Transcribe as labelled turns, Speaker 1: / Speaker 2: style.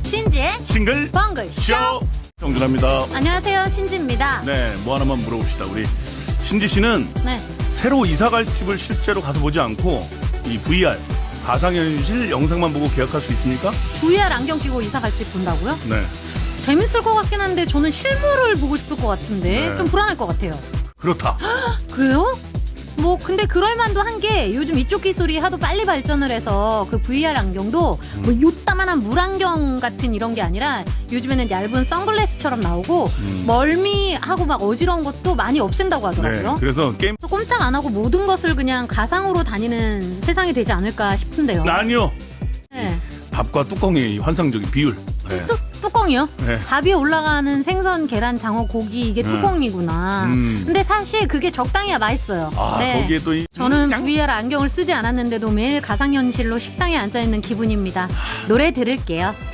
Speaker 1: 신지의
Speaker 2: 싱글
Speaker 1: 벙글
Speaker 2: 쇼 정준합니다.
Speaker 1: 안녕하세요, 신지입니다.
Speaker 2: 네, 뭐 하나만 물어봅시다. 우리 신지 씨는
Speaker 1: 네.
Speaker 2: 새로 이사갈 집을 실제로 가서 보지 않고 이 VR 가상현실 영상만 보고 계약할 수 있습니까?
Speaker 1: VR 안경 끼고 이사 갈 집 본다고요?
Speaker 2: 네,
Speaker 1: 재밌을 것 같긴 한데 저는 실물을 보고 싶을 것 같은데
Speaker 2: 네.
Speaker 1: 좀 불안할 것 같아요.
Speaker 2: 그렇다.
Speaker 1: 그래요? 뭐 근데 그럴만도 한 게 요즘 이쪽 기술이 하도 빨리 발전을 해서 그 VR 안경도 뭐 요따만한 물안경 같은 이런 게 아니라 요즘에는 얇은 선글라스처럼 나오고 멀미하고 막 어지러운 것도 많이 없앤다고
Speaker 2: 네,
Speaker 1: 하더라고요.
Speaker 2: 그래서 게임
Speaker 1: 그래서 꼼짝 안 하고 모든 것을 그냥 가상으로 다니는 세상이 되지 않을까 싶은데요.
Speaker 2: 아니요.
Speaker 1: 네.
Speaker 2: 밥과 뚜껑의 이 환상적인 비율. 네.
Speaker 1: 뚜껑이요?
Speaker 2: 네.
Speaker 1: 밥 위에 올라가는 생선, 계란, 장어, 고기 이게 뚜껑이구나. 근데 사실 그게 적당해야 맛있어요.
Speaker 2: 아,
Speaker 1: 네.
Speaker 2: 거기에 또 이
Speaker 1: 저는 VR 안경을 쓰지 않았는데도 매일 가상현실로 식당에 앉아있는 기분입니다. 노래 들을게요.